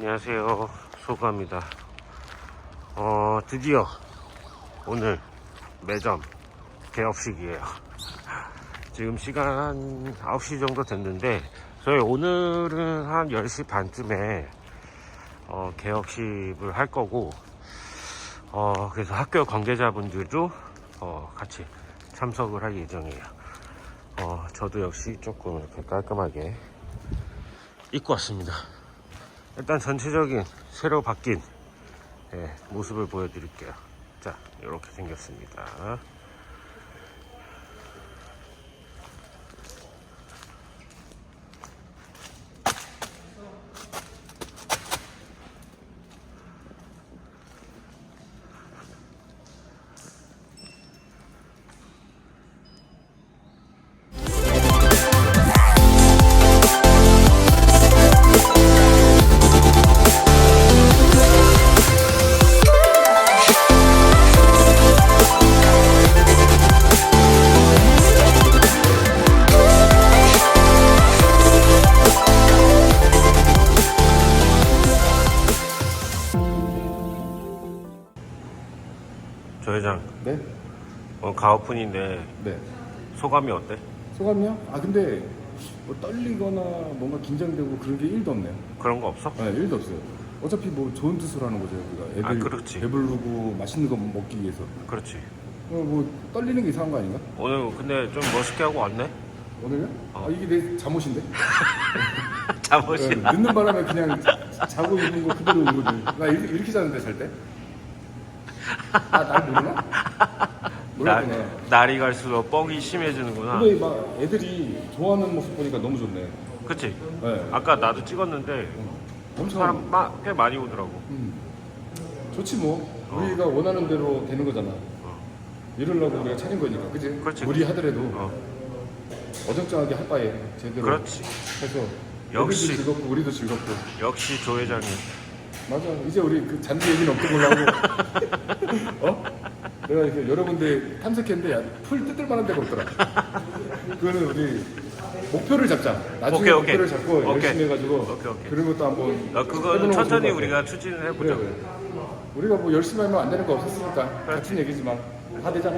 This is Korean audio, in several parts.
안녕하세요, 소가입니다. 드디어 오늘 매점 개업식이에요. 지금 시간 한 9시 정도 됐는데 저희 오늘은 한 10시 반쯤에 개업식을 할 거고, 그래서 학교 관계자분들도 같이 참석을 할 예정이에요. 저도 역시 조금 이렇게 깔끔하게 입고 왔습니다. 일단 전체적인 새로 바뀐 모습을 보여드릴게요. 자, 이렇게 생겼습니다. 조 회장, 네? 가오픈인데 네. 소감이 어때? 소감이요? 근데 뭐 떨리거나 뭔가 긴장되고 그런 게 1도 없네요. 그런 거 없어? 네, 1도 없어요. 어차피 뭐 좋은 뜻으로 하는 거죠. 우리가 애들 그렇지. 배부르고 맛있는 거 먹기 위해서. 그렇지. 뭐 떨리는 게 이상한 거 아닌가? 오늘 근데 좀 멋있게 하고 왔네? 오늘요? 이게 내 잠옷인데? 잠옷이. 네, 늦는 바람에 그냥 자고 있는 거 그대로 온 거지. 나 이렇게 자는데 잘 때? 날 모르나? 몰랐구나. 날이 갈수록 뻥이 심해지는구나. 근데 막 애들이 좋아하는 모습 보니까 너무 좋네. 그치? 네. 아까 나도 찍었는데 엄청 사람 꽤 많이 오더라고. 좋지 뭐. 우리가 원하는 대로 되는 거잖아. 이러려고 우리가 차린 거니까, 그지? 그렇지. 무리하더라도 어정쩡하게 할 바에 제대로 그렇지. 해서 역시. 애들도 즐겁고 우리도 즐겁고. 역시 조 회장님. 맞아. 이제 우리 그 잔디 얘기는 없던 걸로 하고. 내가 이렇게 여러 군데 탐색했는데 풀 뜯을 만한 데가 없더라. 그거는 우리 목표를 잡자. 나중에 오케이. 목표를 잡고 오케이. 열심히 해가지고 오케이. 그런 것도 한번 그건 해보는 천천히 거 우리가 추진을 해보자. 그래. 우리가 뭐 열심히 하면 안 되는 거 없었으니까 같은 얘기지만 다 되잖아.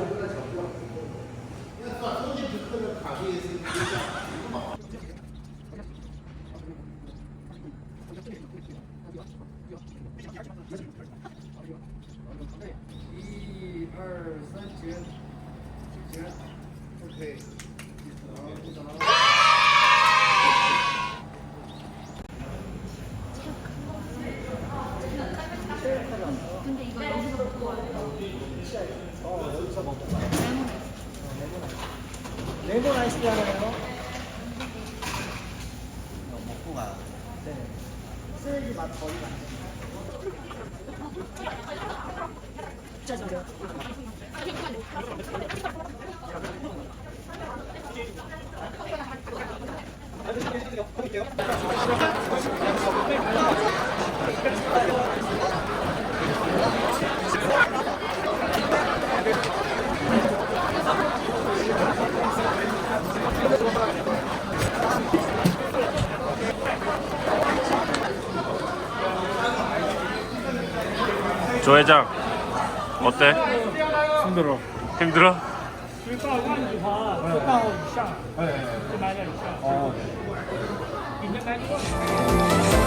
근데 이거 여기서 먹고 와요. 여기서 먹고 레몬 아이스티 하나요? 먹고 가. 네. 쓰레기 맛 버리면 안 돼. 짜증나. 조 회장, 어때? 힘들어. 힘들어? 10到5以上，就买点以上。 아, 你应该。